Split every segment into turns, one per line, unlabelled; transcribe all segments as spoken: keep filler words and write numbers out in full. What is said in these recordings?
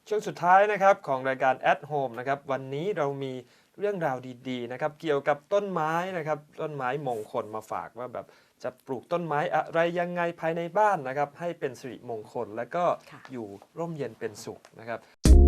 ช่วงสุดท้ายนะครับของรายการ At Home นะครับวันนี้เรามีเรื่องราวดีๆนะครับเกี่ยวกับต้นไม้นะครับต้นไม้มงคลมาฝากว่าแบบจะปลูกต้นไม้อะไรยังไงภายในบ้านนะครับให้เป็นสิริมงคลและก็อยู่ร่มเย็นเป็นสุขนะครับ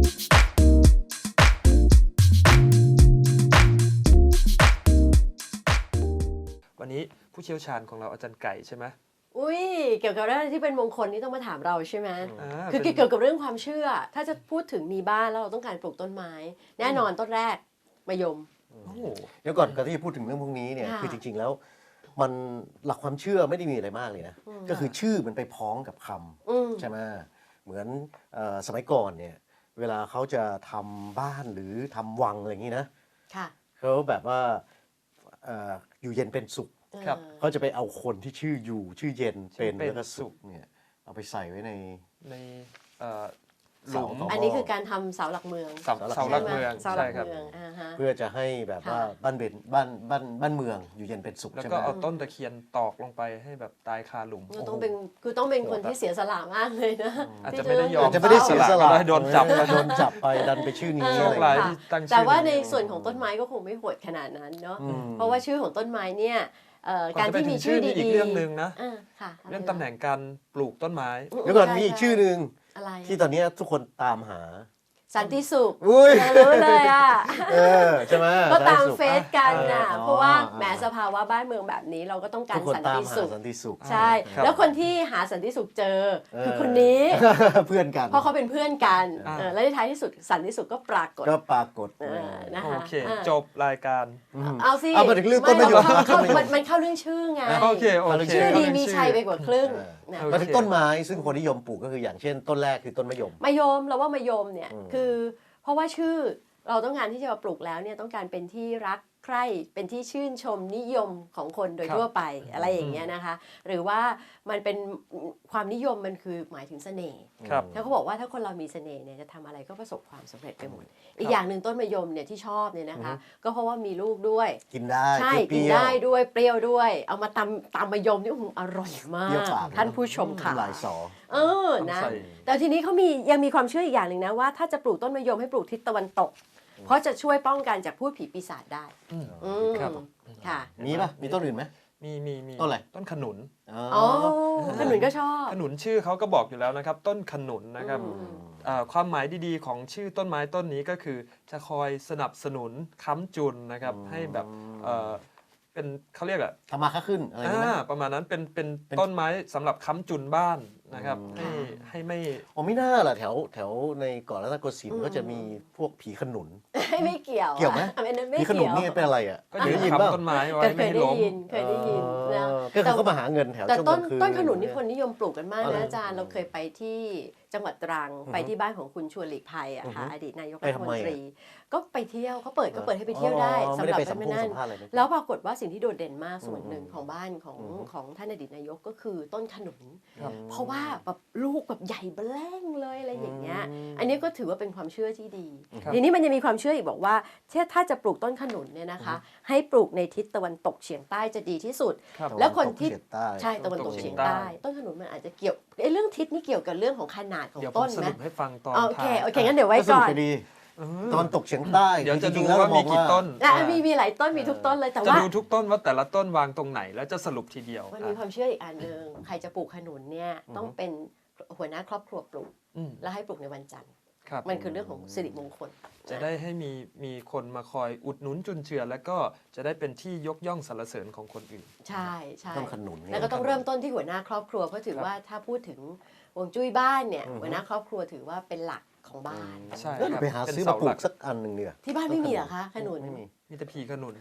วันนี้ผู้เชี่ยวชาญของเราอาจารย์ไก่ใช่ไหม
อุ้ยเกี่ยวกับเรื่องที่เป็นมงคลนี่ต้องมาถามเราใช่ไหม
อ่า
คือเกี่ยวกับเรื่องความเชื่อถ้าจะพูดถึงมีบ้านแล้วเราต้องการปลูกต้นไม้ แน่นอนต้นแรกมะยม
โอ้
เดี๋ยวก่อนก่อนที่จะพูดถึงเรื่องพวกนี้เนี่ย
ค่ะ
คือจริงๆแล้วมันหลักความเชื่อไม่ได้มีอะไรมากเลยนะก็คือชื่อมันไปพ้องกับค
อืม
ำใช่ไหมเหมือนเอ่อสมัยก่อนเนี่ยเวลาเขาจะทำบ้านหรือทำวังอะไรอย่างนี้นะ
ค่ะ
เขาแบบว่าเอ่ออยู่เย็นเป็นสุข
ครับ
เออ
เขาจะไปเอาคนที่ชื่ออยู่ชื่อเย็นเป็น
ชื่อเป็น
แล้วก็สุขเนี่ยเอาไปใส่ไว้ใน
ในเอ่อหลุม
เสา
อันนี้คือการทำเสาหลักเมือง
เสาเสาหลักเมือง
เสาหลั
ใช่
ก
ครับ
เมืองอ่าฮะ
เพื่อจะให้แบบว่า
ค่ะ
บ้านเบนบ้านบ้านบ้านเมืองอยู่เย็นเป็นสุข
แล้ว
ใช่ไห
ก็
ม
เอาต้นตะเคียนตอกลงไปให้แบบตายคาหลุม
ก็ต้องเป็นคือต้องเป็นคนที่เสียสละมากเลยนะ
อาจ
ที่
จะไม่ได้ยอม
อาจจะไม่ได้เสียสละ
ก็ได้โดนจับ
เออโดนจับไปดันไปชื่อนี้
โช
อะ
ค
ไร
ร้าย
อย่าง
ที่
เงี้ย
ตั้งชื่อ
แต่ว่าใน
นี้
ส่วนของต้นไม้ก็คงไม่โหดขนาดนั้นเนาะ
อืม
เพราะว่าชื่อของต้นไม้เนี่ยเอ่อ
ก่อน
การ
จะไป
ที่
ถึ
มี
ง
ชื่อ
ชื่อนี่
ดี
อีกเรื่องหนึ่งนะ
อ่าค่ะ
เรื่องตำแหน่งการปลูกต้นไม้
เดี๋ยวก่อนมีอีกชื่อหนึ่ง
อะไร
ที่ตอนนี้ทุกคนตามหา
สันติสุข
อุ้ย
รู้เลยอ่ะ
เออใช่ไหม
ก็ตาม
สันติสุข
เฟซกันน่ะ
เออ
เพราะว่า
อ๋อ
แหมสภาวะบ้านเมืองแบบนี้เราก็ต้องการ
ทุกคน
สัน
ตาม
ติ
หา
สุข
สันติสุข
ใช่
ครับ
แล้วคนที่หาสันติสุขเจอ
เออ
คือคนนี้
เพื่อนกัน
เพราะเขาเป็นเพื่อนกัน
อ่า
เออและในท้ายที่สุดสันติสุขก็ปรากฏ
ก็ปรากฏ
เออนะ
โอ
คะ
เค
อ่า
จบรายการ
ม
เอาสิ
เอามาถึงเรื่องต้นมะยม
เข้าเข้า
ต้นมะยม
มันมันเข้าเรื่องชื่อไง
โอเคโอเค
ชื่อดี
เรื่อง
มี
ชื่อ
ชัยไปกว่าครึ่ง
เออ
นะ
โอเค
มาถึงต้นไม้ซึ่งคนนิยมปลูกก็คืออย่างเช่น ต้นแรกคือต้นมะยม
มะยมเราว่ามะยมเนี่ย
อืม
คือเพราะว่าชื่อเราต้องการที่จะมาปลูกแล้วเนี่ยต้องการเป็นที่รักใคร่เป็นที่ชื่นชมนิยมของคนโดย
ครับ
ทั่วไปอะไรอย่างเงี้ยนะคะ หรือว่ามันเป็นความนิยมมันคือหมายถึงเสน่ห์
ครับ
ถ้าเขาบอกว่าถ้าคนเรามีเสน่ห์เนี่ยจะทำอะไรก็ประสบความสำเร็จไปหมด อีกอย่างหนึ่งต้นมะยมเนี่ยที่ชอบเนี่ยนะคะ ก็เพราะว่ามีลูกด้วย
กินได้
ใช่
เป
กิน
รี้ยว
ได้ด้วยเปรี้ยวด้วย เอามาตำตำมะยมนี่โอ้โหอร่อยมา
เปรี้ยว
ก
ปาก
ท่านผู้ชมค่ะ
หลายสอ
เออนะ
ต้องใส่
แต่ทีนี้เขามียังมีความเชื่ออีกอย่างหนึ่งนะว่าถ้าจะปลูกต้นมะยมให้ปลูกทิศตะวันตก เพราะจะช่วยป้องกันจากพูดผีปีศาจได้
อืม
อืม
ครับ
ค่ะ
มีป่ะมีต้นอื่นไหม
มีมีมี
ต้นอะไร
ต้นขนุน
อ๋อขนุนก็ชอบ
ขนุนชื่อเขาก็บอกอยู่แล้วนะครับ ต้นขนุนนะครับ
อืม
เอ่อความหมายดีๆของชื่อต้นไม้ต้นนี้ก็คือ จะคอยสนับสนุนค้ำจุนนะครับ ให้แบบเอ่อเป็นเขาเรียกอะ
ทำมาค้าขึ้นอะไรอย่างนี้ไหม
อ่าประมาณนั้นเป็นเป็น
เป็น
ต้นไม้สำหรับค้ำจุนบ้านนะครับ
อืม
ให้ให้ไม่
อ๋อไม่น่าล่ะแถวแถวในเกาะรัตนโกสินทร์ก็จะมีพวกผีขนุน
ไม่เกี่ยว
เกี่ยวไหม
อันนั้นไม่
ผีขนุน
เกี่ยว
นี่เป็นอะไรอ่ะ
ก็ยืน
ได้ยินเปล่า
ค้ำต้นไม้ไว้
ก็เค
ไม่
ย
ให้
ได้
ล้ม
ยินเคยได้ยินนะ
เออก็คือเขามาหาเงินแถว
แต่
ช่วง
ต้
ก
น
ลางคืน
ต้นขนุนนี่
อะไร
คนนิยมปลูกกันมาก
อ๋อเหร
นะ
อ
อาจารย์เราเคยไปที่จังหวัดตรังไปที่บ้านของคุณชวนหลีกภัยอะค่ะ
อือฮึ
อดีตนายก
ไป
รัฐ
ทำ
ม
ไม
น
อะ
ตรี ก็ไปเที่ยวเขาเปิดก็เปิดให้ไปเที่ยวได้
อ๋อ
สำ
ไม่
ห
ได้
รับ
ไปสัม
ไป
ภาษณ์
นั่น
สัมภาษณ์อะไรไหม
แล้วปรากฏว่าสิ่งที่โดดเด่นมากส่วนหนึ่ง
อืม
ของบ้านของ
อือฮึ
ของท่านอดีตนายกก็คือต้นขนุน
ครับ
เพราะว่าแบบลูกแบบใหญ่เบ้อแร่งเลยอะไรอย่างเงี้ย
อืม
อันนี้ก็ถือว่าเป็นความเชื่อที่ดี
ครับ
ทีนี้มันยังมีความเชื่ออีกบอกว่าถ้าถ้าจะปลูกต้นขนุนเนี่ยนะคะ ให้ปลูกในทิศตะวันตกเฉียงใต้จะดีที่สุด
ครับ
แล้วคนที่
ตะวัตกเฉียงใต้
ใช่ตะวันตก
ตะวันตกเฉี
เฉีย
ย
ง
งใต้
ใต้ ต้นขนุนมันอาจจะเกี่ยวไอ้เรื่องทิศนี่เกี่ยวกับเรื่องของขนาดของ
เดี๋ยวผ
ต้
ม
น
ส
ไหม
รุปให้ฟังตอน
โอเค
ท้าย
โอเคงั้นเดี๋ยวไว้
ก็สรุ
ก่
ป
อน
ไปดี
เออ
ตะวันตกเฉียงใต้
เดี๋ยวจะ
จริ
ดู
งๆแล้ว
ว่า
เราม
มี
อง
กี่
ว่า
ต้น
อ่ะ
อ่า
มีมีหลายต้นมีทุกต้นเลยแต่
จะ
ว่า
ดูทุกต้นว่าแต่ละต้นวางตรงไหน แล้วจะสรุปทีเดียว
มันมีความเชื่ออีกอันหนึ่งใครจะปลูกขนุนเนี่ยต้องเป็นหัวหน้าครอบครัวปลูก
อืม
แล้วให้ปลูกในวันจันทร์
ครับ
มันคือเรื่องของสิริมงคล
จะได้ให้มีมีคนมาคอยอุดหนุนจุนเจือ แล้วก็จะได้เป็นที่ยกย่องสรรเสริญของคนอื่น
ใช่ใช่
ต้นขนุนเนี่ย
แล้วก็ต้องเริ่มต้นที่หัวหน้าครอบครัวเพราะถือว่าถ้าพูดถึงฮวงจุ้ยบ้านเนี่ย
อือฮึ
หัวหน้าครอบครัวถือว่าเป็นหลักของบ้าน
ใช่
เออ
ครับ
ไปหา
เป็น
ซื้อ
เสา
มาปลู
หลั
ก
ก
สักอันหนึ่งเนี่ย
ที่บ้านไม่มีเหรอคะขนุน
ไม่มี
มีแต่ผีขนุน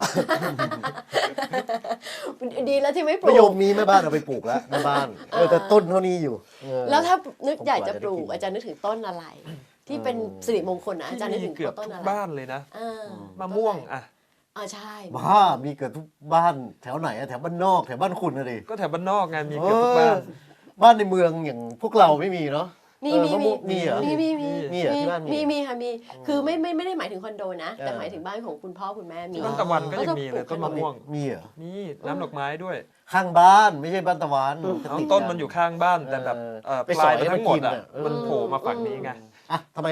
ดีแล้วที่ไม่ปลู
มะย
ก
มมีแม่บ้านเอาไปปลูกแล้วแม่บ้านเออแต่ต้นเท่านี้อยู่เออ
แล้วถ้านึกอยากจะ
ผม
ปลูก
กว่าจะได้กิน
อาจารย์นึกถึงต้นอะไร ที่เป็น
อืม
สิริมงคลนะอาจารย์นึก
ที่
ถึ
มี
ง
เกือบ
ต้น
ทุก
อะไร
บ้านเลยนะ
อ่าม
ะม่วงอ่ะ
อ่าใช่
บ้ามีเกิดทุกบ้านแถวไหนอะแถวบ้านนอกแถวบ้านคุณนะดิ
ก็แถวบ้านนอกไงมีเกือบทุกบ้าน
เออบ้านในเมืองอย่างพวกเราไม่มีเนาะ
มี
เออ
มี
มะม่วงมีเหรอ
มีมีมี
มีเหรอที่บ้านมี
มีมีค่ะมีคือไม่ไม่ไม่ได้หมายถึงคอนโดนะ แต่
เออ
หมายถึงบ้านของคุณพ่อคุณแม่มี
ต้นตะวันก็ยังมีเลย
ก็
ต้
จะ
น
ปลู
มะ
ก
ม่วง
มีเหรอ
มีน้ำดอกไม้ด้วย
ข้างบ้านไม่ใช่บ้านตะวัน
เอา
ติดกั
ต้นมันอยู่ข้างบ้านแต่แบบ
เออ
เอ่อ
ไป
ป
ส
ลา
อย ย
มันทั้งหมดอ่ะ
มากินอะเออ
มันโผล่มาฝั่งนี้ไง
อ่ะทำไม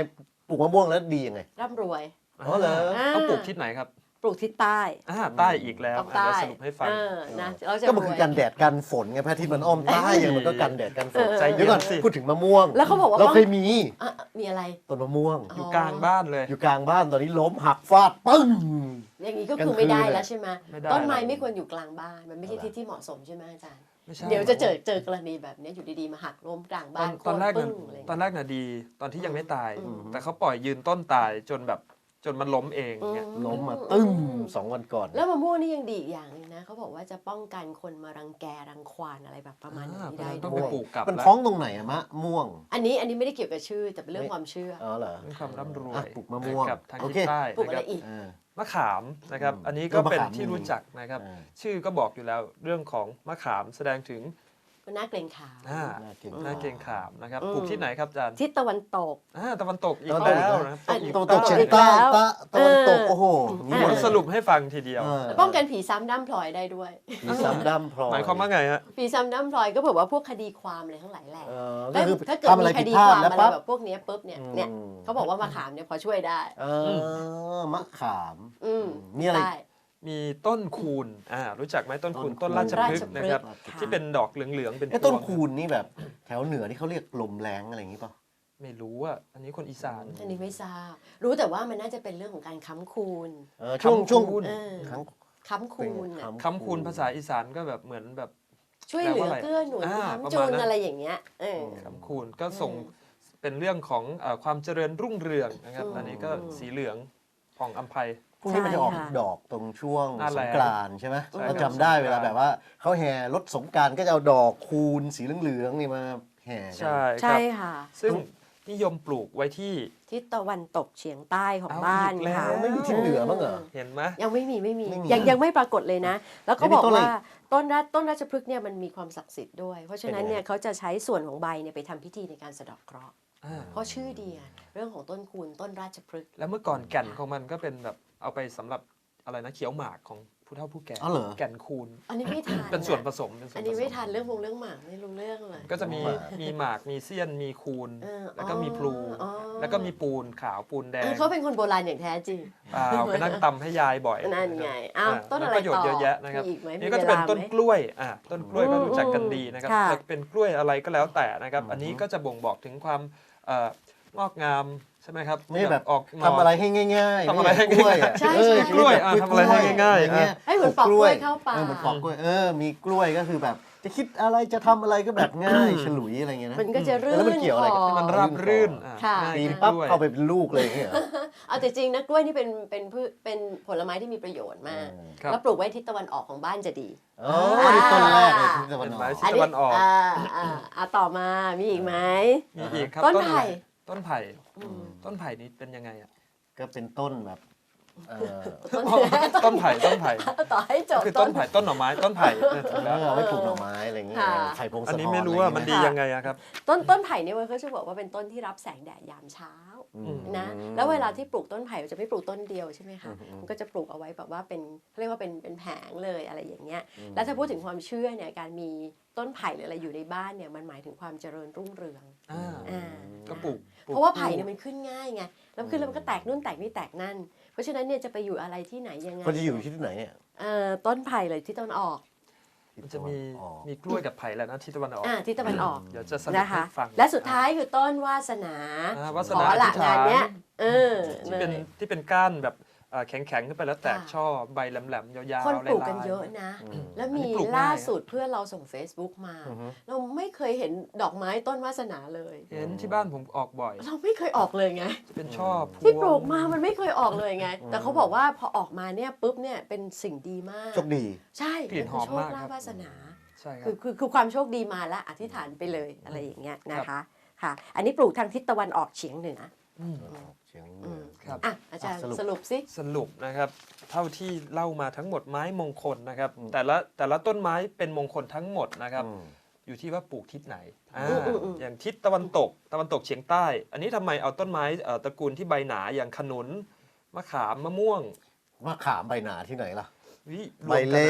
ปลูกมะม่วงแล้วดียังไง
ร่ำรวย
อ๋อเหรอ
ต้องปลูกทิศไหนครับ
ปลูกทิศใต้
อ่าใต้อีกแล้ว
ต้อง
อ่ะ
ใต้
เดี๋ยวสรุปให้ฟัง
เออนะเราจะ
ก็มัน
ร
คื
ว
อย กันแดดกันฝนไงพระอาทิตย์มันอ้อมใต้อย่างมันก็กันแดดกันฝน
ใจเย็น
เดี๋ยวก่อน
สิ
พูดถึงมะม่วง
แล้วเขาบอกว่า
เราเคยมี
อ่ะมีอะไร
ต้นมะม่วง
อยู่กลางบ้านเลย
อยู่กลางบ้านตอนนี้ล้มหักฟาดปึ้ง
อย่างนี้ก็
กลาง
คือไม่ได้
คืนเลย
แล้วใช่ไหม
ไม่ได้
ต้นไม้
แล้ว
ไม่ควรอยู่กลางบ้านมันไม่ใช่ที่ที่เหมาะสมใช่ไหมอาจารย์
ไม่ใช่
เดี๋ยวจะเจอเจอกรณีแบบนี้อยู่ดีๆมาหักล้มกลาง
ตอ
บ้าน น
ตอนแรก
โค่
น่ะ
ปึ้งอะไรอย่าง
ตอน
เงี้ย
แรกน่ะดีตอนที่ยังไม่ตาย
อืม
แต่เขาปล่อยยืนต้นตายจนแบบจนมันล้มเองเนี่ย
อื
ล้มมาตึ้งสองวันก่อน
แล้วมะม่วงนี่ยังดีอีกอย่างหนึงนะเขาบอกว่าจะป้องกันคนมารังแกรังควานอะไรแบบประมาณนี้ได้
ต้อง
ด้
ไป
วย
ปลูกกลับ
มัน
แล้ว
ท้องตรงไหนอะมะม่วง
อันนี้อันนี้ไม่ได้เกี่ยวกับชื่อแต่เป็นเรื่องความเชื่อ
อ๋อเหรอ
เป็นความร่ำรว
อ่ะ
ย
ปลูกมะม่วง
กับทาง
โอ
ทิศ
เค
ใต้
ปลูก
นะ
อะ
ค
ไร
รับ
อีก
อ่า
มะขามนะครับ
อืม
อันนี้
เอ
ก็
อมะ
เป็น
ขาม
ที่
มี
รู้จักนะครับ
อ่า
ชื่อก็บอกอยู่แล้วเรื่องของมะขามแสดงถึง
มันน่าเกรงขาม
อ่า
น่าเก่ง
หน้าเกรงขามนะครับ
อืม
ปลูกที่ไหนครับอาจารย์
ทิศตะวันตก
อ่าตะวันตกอีก
ตะวันตก
แล้ว
อีก
นะครับ
อ่ะ
อีก
ตะวันตกเฉียง
อีก
ใต้
แล้ว
ตะตะวันตก
เออ
โอ้โห
อ่ะ
ผมสรุปให้ฟังทีเดียว
เออ
ป้องกันผีซ้ำด้ำพลอยได้ด้วย
มีซ้ำดำพลอย
หมายความว่าไงฮะ
ผีซ้ำด้ำพลอยก็แบบว่าพวกคดีความอะไรทั้งหลายแหละ
เออก็คือ
ถ้าเกิด
ทำอะไร
มีค
ผิด
ดี
พลา
ค
ด
วาม
แล้ว
อะไร
ปั๊บ
แบบพวกเนี้ยปุ๊บเนี่ย
อืม
เนี่ยเขาบอกว่ามะขามเนี่ยพอช่วยได้
เออมะขาม
อืม
มีอะไร
ได้
มีต้นคูณอ่ารู้จักไหมต้นคูณ
ต้
ต้
น
น
คูณ
ราชพฤกษ์นะครับ
ราชพฤกษ์ค่ะ
ที่เป็นดอกเหลืองๆเป็น
ไอ้ต้น
พวง
คูณนี่แบบแถวเหนือที่เขาเรียกลมแรงอะไรอย่างนี้ป่ะ
ไม่รู้อ่ะอันนี้คนอีสาน
อันนี้ไม่ทราบ รู้แต่ว่ามันน่าจะเป็นเรื่องของการค้ำคูณ
เออช่วง
คำ
ช่วง
คูณ
เออ
ครั้ง
ค้ำคูณน่ะ
คำคูณภาษาอีสานก็แบบเหมือนแบบ
ช่วยเหลือ
แปลว่าอะไร
เกื้อหนุน
อ่า
ค้ำ
ประ
จุ
มาณ
น
นั้น
อะไรอย่างเงี้ยเออ
คำคูณก็ส่งเป็นเรื่องของเอ่อความเจริญรุ่งเรืองนะครับ
อืม
อันนี้ก็สีเหลืองผ่องอัมไพ
พรุ่งนี้มันจะออก
ใช่ค่ะ
ดอกตรงช่วง
หน้า
ส
แล้
ง
ง
กรานต์ใช่ไหม
ใช่
เรา
ครับ
จำได้
สงกรานต์
เวลาแบบว่าเขาแห่รถสงกรานต์ก็จะเอาดอกคูณสีเหลืองๆนี่มาแห่กัน
ใช่ค
ใช่
รับ
ค่ะ
ซึ่งนิยมปลูกไว้ที่
ทิศตะวันตกเฉียงใต้ของ
เอา
บ้าน
อีกแล้ว
ค่ะ
ไม่มีทิศเหนือบ้างเหรอ
เห็นไหม
ยังไม่มีไม่มี
ไม่มี
ยังยังไม่ปรากฏเลยนะ แล้วก็
ไม่มี
บอก
ต้นอะไร
ว่าต้นราต้นราชพฤกษ์เนี่ยมันมีความศักดิ์สิทธิ์ด้วย เพราะฉะนั้น
เป็นยังไง
เนี่ยเขาจะใช้ส่วนของใบเนี่ยไปทำพิธีในการสะเดาะเคราะห์
อ่า
เพราะชื่อดีอะเรื่องของต้นคูณต้นราชพฤกษ์
แล้วเมื่อก่อนแก่นของมันก็เป็นแบบเอาไปสำหรับอะไรนะเขียวหมากของผู้เฒ่าผู้แก่
อ๋อเหรอ
แก่นคูณ
อันนี้ไม่ทัน
เป็นส่วนผ
อะ
สมเป็นส่วน
อัน
ผ
นี้
ส
ไม่
ม
ทันเรื่องวงเรื่องหมากไม่รู้เรื่องเลย
ก็จะมี
หมาก
มีหมากมีเสี้ยนมีคูณ
เออ
แล้วก็มีพลู
อ๋อ
แล้วก็มีปูนขาวปูนแด
เอง อเขาเป็นคนโบราณอย่างแท้จริง
เปล่าไปนั่งตำให้ยายบ่อย
นั่นไงอ้าวต้นอะไร
แล้วประโยชน์
ต่อ
เยอะแยะนะครับ
มีอีกไหมมี
นี่ก็จะเป็น
เวลา
ต้น
ไหม
กล้วยอ่ะต้นกล้วยก็
อืม
รู้จักกันดีนะครับ
ค่ะ
จะเป็นกล้วยอะไรก็แล้วแต่นะครับ
อืม
อันนี้ก็จะบ่งบอกถึงความเอ่องอกงามใช่ไหมครับ
ไม่แบบ
ออกหน่
ทำอะไรให้ง่ายๆ
ทำอะไรให้
ม่กล้วยอะ
ใช่
เออ
ใช่
ชีวิตแบบ
กล้วยอ่ะทำอะไรให้ง่ายๆ
อเงี้ย
ให้เหมือนปอกกล้วยเข้าปาก
เออเหมือนปอกกล้วยเออมีกล้วยก็คือแบบ จะคิดอะไรจะทำอะไรก็แบบง่ายฉลุยอะไรเงี้ยนะ
มันก็จะรื่น
แล้วมันเกี่ยวอะไรกับ
คอ
ให้มันราบรื่นอ่ะ
ค่ะ
ง่าย
ปีน
ขึ้น
ปั๊บ
ด้วย
เข้าไปเป็นลูกเลยอย่างเงี้ยเหรอ
เอาแต่จริงนะกล้วยนี่เป็นเป็นพืชเป็นผลไม้ที่มีประโยชน์มาก
ครับ
แล้วปลูกไว้ทิศตะวันออกของบ้านจะดี
อ๋อนี่ต้นแรกเลยที่ตะวันออก
เห็นไหม ทิศตะวันออก
อ่าอ่าอ่าต่อมามีอีกไหม
มีอีกครับ
ต้น
อะไร
ไผ่
ต้นไผ่
อืม
ต้นไผ่นี้เป็นยังไงอ่ะ
ก็เป็นต้นแบบเออ
ต้น
ต้นไผ่ต้นไผ่
ต่อให้จ
ก็
บ
คือต้นไผ่ต้นหน่อไม้ต้นไผ่เออถูก
แล้
แล้ว ว
เอาไว้ปลูกหน่อไม้อะไรอย่างเงี้ย
ค่ะ
ไผ่พงศธร
อันนี้ไม่รู้ว่ามันดี
อะ
ยังไงอะครับ
ต้นต้นไผ่เนี่ยมันก็จะบอกว่าเป็นต้นที่รับแสงแดดยามเช้า
อืม
นะแล้วเวลาที่ปลูกต้นไผ่มันจะไม่ปลูกต้นเดียวใช่ไหมคะ
อืม
มันก็จะปลูกเอาไว้แบบว่าเป็นเขาเรียกว่าเป็นเป็นแผงเลยอะไรอย่างเงี้ย
อืม
แล้วถ้าพูดถึงความเชื่อเนี่ยการมีต้นไผ่หรืออะไรอยู่ในบ้านเนี่ยมันหมายถึงความเจริญรุ่งเรือง
อ่า
อ่า
ก็ปลูกปลูก
เพราะว่าไผ่เนี่ยมันขึ้นง่ายไงแล้วขึ้นแล้วมันก็แตกนู่นแตกนี่แตกนั่น เพราะฉะนั้นเนี่ยจะไปอยู่อะไรที่ไหนยังไง
คนจะอยู่ที่ไหนเนี่ย
เอ่อต้นไผ่เลยที่ตะวันออก
มันจะมี
อ๋อ
มีกล้วยกับไผ่แล้วนะที่ตะวันออก
อ่าที่ตะวันออก
เดี๋ยวจะสรุป
นะคะ
ให้ฟัง
และสุดท้ายคือต้นวาสนา
อ่าวาส
ขอ
นา
ละ
อธิษฐาง
านเนี้ยเออ
ที่
เล
เป็น
ย
ที่เป็นก้านแบบเอ่อแข็งๆขึ้นไปแล้วแตก
ค่ะ
ช่อใบแหลมๆยาวๆ
คนปลูก
ลา
กัน
ๆ
เยอะนะ
อืม
แล้ว
อันนี้
มี
ปลูกง่าย
ล่าสุดเพื่อนเราส่ง Facebook มา
อือฮึ
เราไม่เคยเห็นดอกไม้ต้นวาสนาเลย
เห็นที่บ้านผมออกบ่อย
เราไม่เคยออกเลยไง
จะเป็นช่อพวง
ที่ปลูกมามันไม่เคยออกเลยไง
อืม
แต่เขาบอกว่าพอออกมาเนี่ยปุ๊บเนี่ยเป็นสิ่งดีมาก
โชคดี
ใช่
กลิ่นหอม
คืโช
มา
ค
ก
ลา
ครั
ภ
บ
วาสนา
ใช่ครั
คื
บ
อคือคือความโชคดีมาแล้วอธิษฐานไปเลยอะไรอย่างเงี้ยนะคะค่ะ อันนี้ปลูกทางทิศตะวันออกเฉียงเหนือ
อืม
เชียงเห
อื
นือ
ม
ครับ
อ่ะอาจารย์
สรุป
สรุปสิ
สรุปนะครับ เท่าที่เล่ามาทั้งหมดไม้มงคลนะครับ
อืม
แต่ละแต่ละต้นไม้เป็นมงคลทั้งหมดนะครับ
อืม
อยู่ที่ว่าปลูกทิศไหนอ่า
อืมอืมอืม
อย่างทิศตะวันตก ตะวันตกเฉียงใต้ อันนี้ทำไมเอาต้นไม้เอ่อตระกูลที่ใบหนาอย่างขนุน มะขาม มะม่วง
มะขามใบหนาที่ไหนล่ะ
วิร
ใบ
วมกันอะ
เล็ก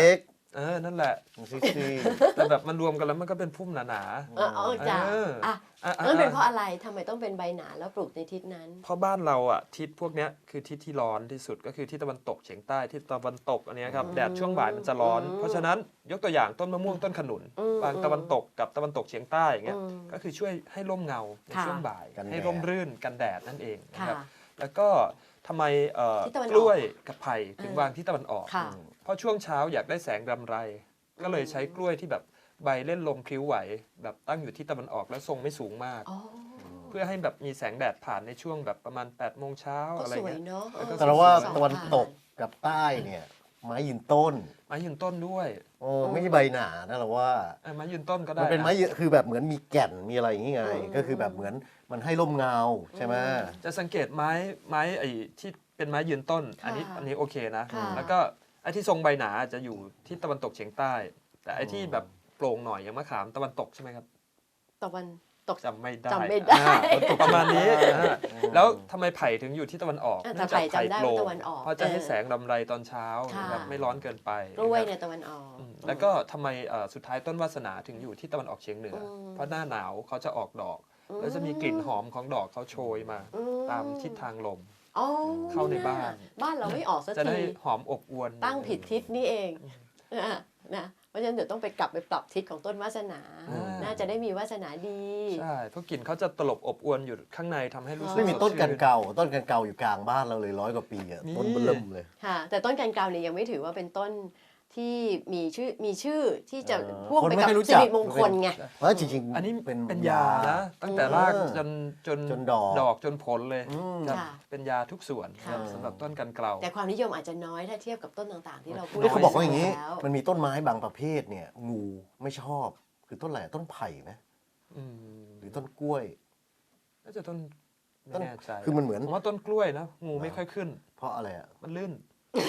เออนั่นแหละ
ซิซี่
แต่แบบมันรวมกันแล้วมันก็เป็นพุ่มหนา
เออเออจ้ะ
เอออ่
อ่ะ
ๆอ่ะ
นั่นเป็นเพ
อ่ะ
ราะอะไรทำไมต้องเป็นใบหนาแล้วปลูกในทิศนั้น
เพราะบ้านเราอ่ะทิศพวกเนี้ยคือทิศที่ร้อนที่สุดก็คือทิศตะวันตกเฉียงใต้ทิศตะวันตกอันเนี้ยครับ
อืม
แดดช่วงบ่ายมันจะร้อน
อืม
เพราะฉะนั้นยกตัวอย่างต้นมะม่วงต้นขนุน
อืม
บางตะวันตกกับตะวันตกเฉียงใต้อย่างเงี้ย
อืม
ก็คือช่วยให้ร่มเงาใน
ค่ะ
ช่วงบ่าย
กันแดด
ให้ร่มรื่นกันแดดนั่นเองนะ
ค่ะ
ครับแล้วก็ทำไมเอ่อ
ทิศตะวันออก
กล้วยกับไผ่ถึง
เออ
วางที่ตะวันออก
ค่ะ
เพราะช่วงเช้าอยากได้แสงรำไร ก็เลยใช้กล้วยที่แบบใบเล่นลมพลิ้วไหว แบบตั้งอยู่ที่ตะวันออกและทรงไม่สูงมาก
อ๋อ
เพื่อให้แบบมีแสงแดดผ่านในช่วงแบบประมาณ8ปดโมงเช้า
ก็
อะไร
สวย
เงี้ย
เนาะ
แล้วก็
แต่เราว่า
สอง
ตะวันตก
ผ่า
กับใต้เนี่ยไม้ยืนต้น
ไม้ยืนต้นด้วย
โอ้ไม่ใช่ใบหนานะเราว่า
เออไม้ยืนต้นก็ได้
มันเป็นไม้
นะ
ยืนคือแบบเหมือนมีแก่นมีอะไรอย่างงี้ไง
อืม
ก็คือแบบเหมือนมันให้ร่มเงาใช่ไหม
จะสังเกตไม้ไม้ไอ้ที่เป็นไม้ยืนต้น
ค่ะ
อันนี้อันนี้โอเคนะ
ค่ะ
แล้วก็ไอ้ที่ทรงใบหนาจะอยู่ที่ตะวันตกเฉียงใต้ แต่ไอ้ที่แบบโปร่งหน่อยอย่างมะขามตะวันตกใช่ไหมครับ
ตะวันตก
จำไม่ได้
จำไม่ได้
อ่าตะวันตกประมาณนี้อ่าแล้วทำไมไผ่ถึงอยู่ที่ตะวันออก
อ่ะแต่
เนื่องจาก
ไผ่จำได้
โปร่
ว่าง ตะวันออก
เพราะจะให้
เออ
แสงรำไรตอนเช้า
ค่ะ
นะครับไม่ร้อนเกินไป
กล้วย
นะครับ
เนี่ยตะวันออก
อืมแล้วก็ทำไมเอ่อสุดท้ายต้นวาสนาถึงอยู่ที่ตะวันออกเฉียงเหนืออ
ม
เพราะหน้าหนาวเขาจะออกดอก แล้วจะมีกลิ่นหอมของดอกเขาโชยมา
อื
ตามทิศทางลม
อ๋อ
เข้าในบ้าน
บ้านเราไม่ออกสัก
จะได้
ที
หอมอบอวน
ตั้งผิดทิศนี่เองอ่ะนะเพราะฉะนั้นเดี๋ยวต้องไปกลับไปปรับทิศของต้นวาสนา
อ่า
น่าจะได้มีวาสนาดี
ใช่เพราะกลิ่นเขาจะตลบอบอวนอยู่ข้างในทำให้รู้สึก
ไม่มีต้นกัน
สดชื่
เก่า ต้นกันเก่าอยู่กลางบ้านเราเลยร้อยกว่าปีอะ
นี่
ต้นเบิ่มเลย
ค่ะ แต่ต้นกันเกาวเนี่ยยังไม่ถือว่าเป็นต้นที่มีชื่อมีชื่อที่จะ
เออ
พ่วง
คน
ไป
ไม่
กับ
ค่อยรู้
สิ
จัก
ริมงคลไง
เพราะจริงๆ
อันนี้
เป็น
เป็นยานะตั้งแต่รากจนจน
จนดอก
ดอกจนผลเลย
อืม
ครับ
ค่ะ
เป็นยาทุกส่วนครับ
ค่ะ
สำหรับต้นกันเกลา
แต่ความนิยมอาจจะน้อยถ้าเทียบกับต้นต่างๆ ที่เราพูด
นี่เขาบอกว่าอย่างนี้
แล้ว
มันมีต้นไม้บางประเภทเนี่ย งูไม่ชอบ คือต้นอะไรต้นไผ่ไหม
อืม
หรือต้นกล้วย
น่าจะต้น
ต้
ไม่
น
แน่ใจ
คือมันเหมือน
ผมว่าต้นกล้วยนะงูไม่ค่อยขึ้น
เพราะอะไรอ่ะ
มันลื่น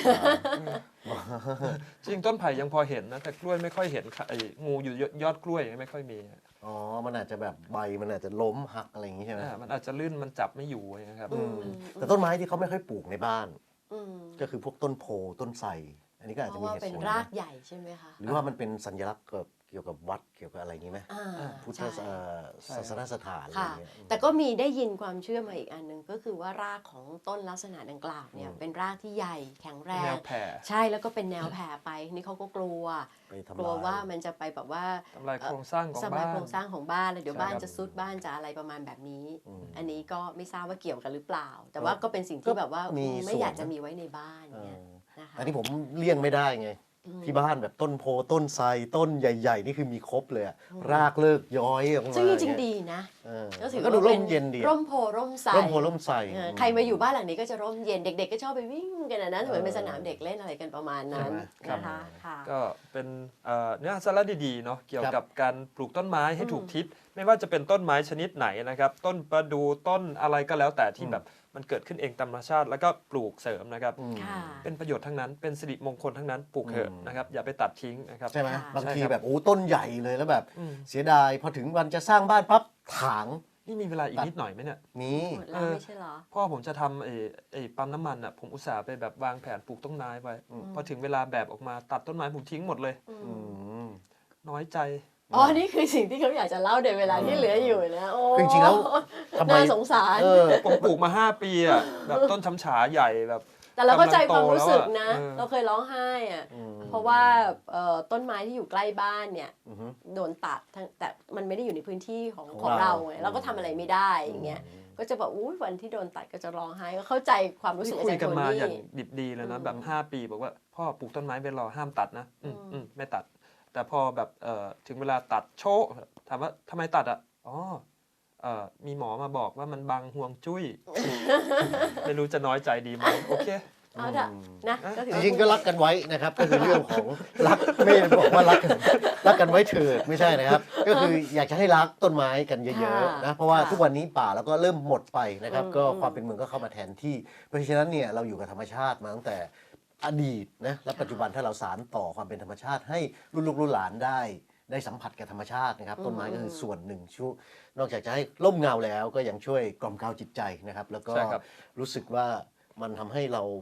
จริงต้นไผ่ยังพอเห็นนะ แต่กล้วยไม่ค่อยเห็นค่ะไอ้งูอยู่ยอดกล้วยไม่ค่อยมี
อ๋อ มันอาจจะแบบใบมันอาจจะล้มหักอะไรอย่างงี้ใช่ไหม
อ่ามันอาจจะลื่นมันจับไม่อยู่นะครับ
อืม
แต่ต้นไม้ที่เขาไม่ค่อยปลูกในบ้าน
อืม
ก็คือพวกต้นโพต้นไทรอันนี้ก็อาจ
เพ
จะ
ราะ
มี
ว่า
เหตุ
เป็น
ผล
รา
นะ
กใหญ่ใช่ไหมคะ
หรือว่ามันเป็นสัญลักษณ์เกี่ยวกับเกี่ยวกับวัดเกี่ยวกับอะไรอย่างงี้ไหม
อ่า
พุทธ
ใช่
เอ่อศาสนสถานอะไรอ
ค่ะ
ย่างเงี้ย
แต่ก็มีได้ยินความเชื่อมาอีกอันหนึ่งก็คือว่ารากของต้นลักษณะดังกล่าวเนี่ย
อืม
เป็นรากที่ใหญ่แข็งแร
แน
ง
วแผ่
ใช่แล้วก็เป็นแนวแผ่ไปนี่เขาก็กลัว
ไปทำ
กลัว
ลาย
ว่ามันจะไปแบบว่า
ทำลายโครงสร้างของ
สมา
บ้าน
โครงสร้างของบ้านแล้วเดี๋ยว
ใช่
บ้าน
ครับ
จะซุดบ้านจะอะไรประมาณแบบนี้
อืม
อันนี้ก็ไม่ทราบว่าเกี่ยวกันหรือเปล่า แต่ว่าก็เป็นสิ่งที่แบบว่า
มี
ไม่
ส่วน
อยากจะ
นะ
มีไว้ในบ้าน
เอ
เนี่ย
อ
นะคะ
อันนี้ผมเลี่ยงไม่ได้ไง
อืม
ที่บ้านแบบต้นโพต้นไทรต้นใหญ่ ๆ นี่คือมีครบเลยอะรากเลิกย้อยออกมา
ซึ่งจริง
เย
ๆดีนะ
เออ
ก็ถือ
ก็
ว่า
ดูร่
เป็
มเย็นดีอะ
ร่มโพร่มไทร
ร่มโพร่มไทร
เออใครมาอยู่บ้านหลังนี้ก็จะร่มเย็นเด็ก ๆ ก็ชอบไปวิ่งกันนะนะเหมือนเป็นสนามเด็กเล่นอะไรกันประมาณนั้น
ใช่ไหม
นะคะค่ะ
ก็เป็นเอ่อเนื้อหาสาระดีๆเนาะเกี่ยวกับการปลูกต้นไม้ให้
อืม
ถูกทิศไม่ว่าจะเป็นต้นไม้ชนิดไหนนะครับต้นประดูต้นอะไรก็แล้วแต่ที่
อืม
แบบมันเกิดขึ้นเองตามธรรมชาติ แล้วก็ปลูกเสริมนะครับ
อืม
ค่ะ
เป็นประโยชน์ทั้งนั้นเป็นสิริมงคลทั้งนั้นปลูกเถอะ
อืม
นะครับอย่าไปตัดทิ้งนะครับ
ใช่ไหม
ค่ะ
บางที
ใช่ครับ
แบบโอ้ต้นใหญ่เลยแล้วแบบ
อืม
เสียดายพอถึงวันจะสร้างบ้านปั๊บถาง
นี่มีเวลาอีกนิดหน่อยไหมเนี่ย
มี
หมดแล้วไม่ใช่เหรอ
พ่อผมจะทำไอ้ไอ้ปั๊มน้ำมันอ่ะผมอุตส่าห์ไปแบบวางแผนปลูกต้นไม้ไว้
อืม
พอถึงเวลาแบบออกมาตัดต้นไม้ผมทิ้งหมดเลย
อื
อื
ม
ม
น้อยใจ
อ๋อ นี่คือสิ่งที่เขาอยากจะเล่าในเวลาที่เหลืออยู่นะ โอ้
คือจริงๆแล้วทำไม
น่าสงสาร
เออ
ผมปลูกมาห้าปีอ่ะแบบต้นช้ำฉาใหญ่แบบ
แต่เราเข้าใจความรู้สึกนะ
กำลังโตแล้วอะ
เราเคยร้องไห้อะ
อืม
เพราะว่าเอ่อต้นไม้ที่อยู่ใกล้บ้านเนี่ย
อือฮึ
โดนตัดทั้งแต่มันไม่ได้อยู่ในพื้นที่ของ
ของ
ของเรา
เรา
ไงเราก็ทำอะไรไม่ได้อย่างเงี้ย ก็จะแบบอุ้ยวันที่โดนตัดก็จะร้องไห้ก็เข้าใจความรู้สึ
นี่
กอา
คุ
จาย รย์
กัน
โท
มา
นี่
อย่างดิบดีเลยนะ
อืม
แบบห้าปีบอกว่าพ่อปลูกต้นไม้ไปรอห้ามตัดนะอืม
อืม
อืมไม่ตัด แต่พอแบบเอ่อถึงเวลาตัดโชะถามว่าทำไมตัดอ่ะอ๋อเอ่อมีหมอมาบอกว่ามันบังห่วงจุ้ย ไม่รู้จะน้อยใจดีไหมโอเค
เอาเถอะนะก็ถือ
จ
ว่า
ริงๆก็รักกันไว้นะครับ ก็คือเรื่องของรักไม่ได้บอกว่ารักกันรักกันไว้เถิดไม่ใช่นะครับ ก็คืออยากจะให้รักต้นไม้กันเยอะๆนะเพราะว่าทุกวันนี้ป่าแล้วก็เริ่มหมดไปนะครับ ก็ความเป็นเมืองก็เข้ามาแทนที่ เพราะฉะนั้นเนี่ยเราอยู่กับธรรมชาติมาตั้งแต่อดีตนะและปัจจุบันถ้าเราสานต่อความเป็นธรรมชาติให้รุ่นลูกรุ่นหลานได้ ได้สัมผัสกับธรรมชาตินะครับ ต้นไม้ก็คือส่วนหนึ่งช่วยนอกจากจะให้ร่มเงาแล้วก็ยังช่วยกล่อมเกลาจิตใจนะครับ แล้วก็
ใช่ครับ
รู้สึกว่ามันทำให้เราแบบ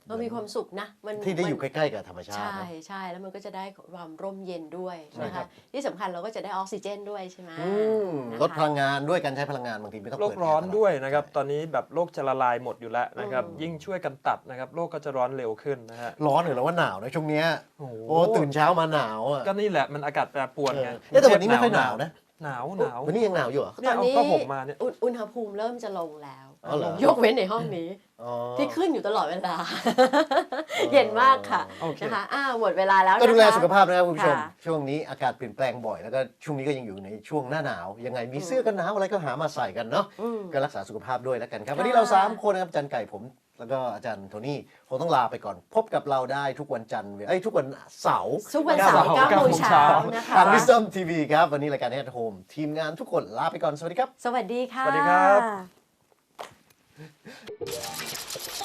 เรามีความสุขนะมัน
ที่ได้อยู่
มั
ใกล้ๆกับธรรมชาติ
ใช่
นะ
ใช่แล้วมันก็จะได้ความร่มเย็นด้วย
ใช่
นะ
ครั
คะ
บ
ที่สำคัญเราก็จะได้ออกซิเจนด้วยใช่ไหม
อืม
นะคะ
ลดพลังงานด้วยการใช้พลังงานบางทีไม่ต้อง
โล
เปิ
ก
ด
ร้อน
แร์ตล
ด้วยนะครับ
ใช่
ตอนนี้แบบโลกจะละลายหมดอยู่แล้วนะครับ
อืม
ยิ่งช่วยกันตัดนะครับโลกก็จะร้อนเร็วขึ้นนะฮะ
ร้อนหรือว่าหนาวนะช่วงเนี้ย
โอ้โห
โอ้ตื่นเช้ามาหนาวอ่ะ
ก็นี่แหละมันอากาศแปรปรวน
เอ
ไง
อเอ๊ะแต่วันนี้ไม่ค่อยหนาวนะ
หนาวหนาว
วันนี้ยังหนาวอยู่เหรอ
เนี่ย
ตอน
เอา
นี้
ผ้าห่มมาเนี่ย
อุณอุณหภูมิเริ่มจะลงแล้ว
อ๋อเหรอ
ยกเว้นในห้องนี้
อ๋อ
ที่ขึ้นอยู่ตลอดเวลา เย็นมากค่ะ
โอเค
นะคะอ่าหมดเวลาแล้วนะคะ
ก็ดูแลสุขภาพนะครับคุณผู้ชม
ค่ะ
ช่วงนี้อากาศเปลี่ยนแปลงบ่อยแล้วก็ช่วงนี้ก็ยังอยู่ในช่วงหน้าหนาว ยังไงมีเสื้อกันหนาวอะไรก็หามาใส่กันเนาะ
อืม
ก็รักษาสุขภาพด้วยแล้วกันครับ
ค่ะ
วันนี้เราสามคนนะครับอาจารย์ไก่ผมแล้วก็อาจารย์โทนี่คงต้องลาไปก่อน พบกับเราได้ทุกวันจันทร์เอ้ยทุกวันเสาร์
ทุกวันเสาร์เก้าโมงเช้านะคะ
ทาง Wisdom ที วี ครับ วันนี้รายการ At Home ทีมงานทุกคนลาไปก่อน สวัสดีครับ
สวัสดีค่ะ
สวัสดีครับ